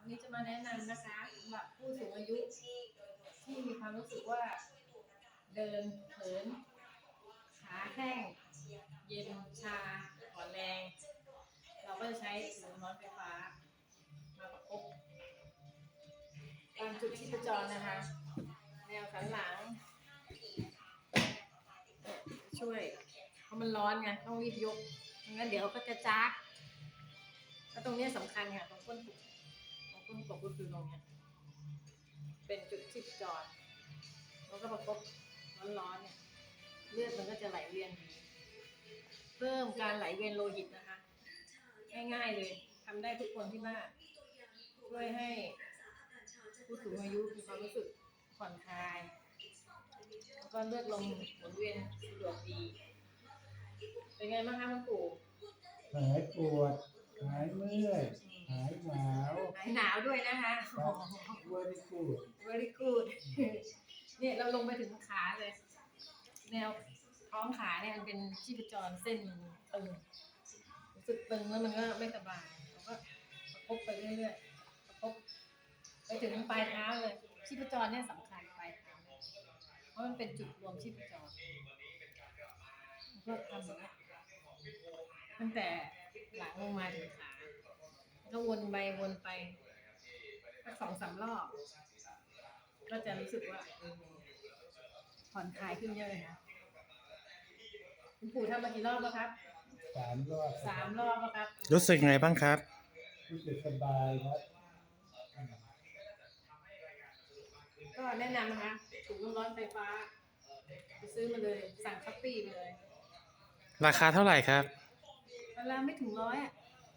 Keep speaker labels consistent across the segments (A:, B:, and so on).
A: นี้จะมาแนะนำนะคะสำหรับผู้สูงอายุที่มีความรู้สึกว่าเดินเขินขาแข้งเย็นชาอ่อนแรงเราก็จะใช้ถุงน้อนไฟฟ้ามาประกบตามจุดชีพจรนะคะแนวสันหลังช่วยเพราะมันร้อนไงต้องรีบยกไม่งั้นเดี๋ยวก็จะจักแล้วตรงนี้สำคัญค่ะตรงก้นกบก็คือตรงนี้เป็นจุดชีพจรแล้วก็ประกบร้อนๆเนี่ยเลือดมันก็จะไหลเวียนเพิ่มการไหลเวียนโลหิตนะคะง่ายๆเลยทำได้ทุกคนที่บ้านช่วยให้ผู้สูงอายุมีความรู้สึกผ่อนคลายแล้วก็เลือดลมหมุนเวียนสะดวกดีเป็นไงบ้างคะคุณปู่
B: หายปวดหายเมื่อยหายหนาว
A: ด้วยนะคะ
B: very good
A: very good เนี่ยเราลงไปถึงขาเลยแนวท้องขาเนี่ยมันเป็นชีพจรเส้นตึงรู้สึกตึงแล้วมันก็ไม่สบายเราก็ประคบไปเรื่อยๆประคบไปถึงปลายเท้าเลยชีพจรเนี่ยสำคัญปลายเท้าเพราะมันเป็นจุดรวมชีพจรก็ทำอย่างนี้ตั้งแต่หลังลงมาถึงขาก็วนไปสัก2-3 รอบก็จะรู้สึกว่าผ่อนคลายขึ้นเยอะเลยนะคุณปู่ทำมากี่รอบแล้วครับ
B: 3 รอบ
A: 3 รอบแล้วครับ
C: รู้สึกไงบ้างครับ
B: รู้สึกสบายครับ
A: ก็แนะนำนะคะถุงน้ำร้อนไฟฟ้าไปซื้อมาเลยสั่งช้อปปี้มาเลย
C: ราคาเท่าไหร่ครับ
A: เวลาไม่ถึง100อ่ะ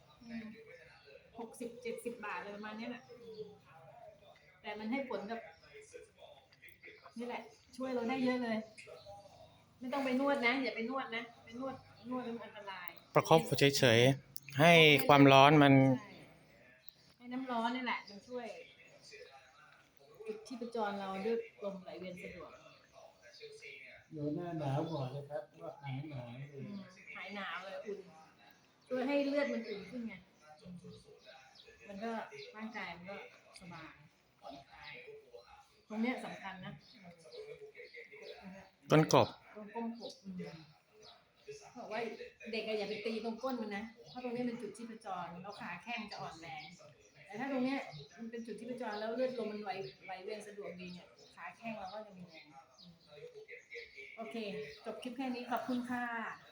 A: 60-70 บาทเลยประมาณนี้แหละแต่มันให้ผลกับนี่แหละช่วยเราได้เยอะเลยไม่ต้องไปนวดนะอย่าไปนวดนะไปนวดมันอันตราย
C: ประคบเฉยๆให้ความร้อนมัน
A: ให้น้ำร้อนนี่แหละมันช่วยจุดชีพจรเราด้วยลมไหลเวียนสะดวก
B: อยู่หน้าหนาวก่อนเลยครับว่าหายหนาวเลย
A: หายหนาวเลยอุ่นช่วยให้เลือดมันอุ่นขึ้นไงมันก็ร่างกายมันก็สบายผ่อนคลายตรงเนี้ยสำคัญนะ
C: ต้นกบ
A: ตรงก้นกบบอกว่าเด็กอย่าไปตีตรงก้นมันนะเพราะตรงนี้เป็นจุดชีพจรแล้วขาแข้งจะอ่อนแรงแต่ถ้าตรงเนี้ยมันเป็นจุดชีพจรแล้วเลือดลมมันไหลเวียนสะดวกดีเนี่ยขาแข้งเราก็จะมีแรงโอเคจบคลิปแค่นี้ขอบคุณค่ะ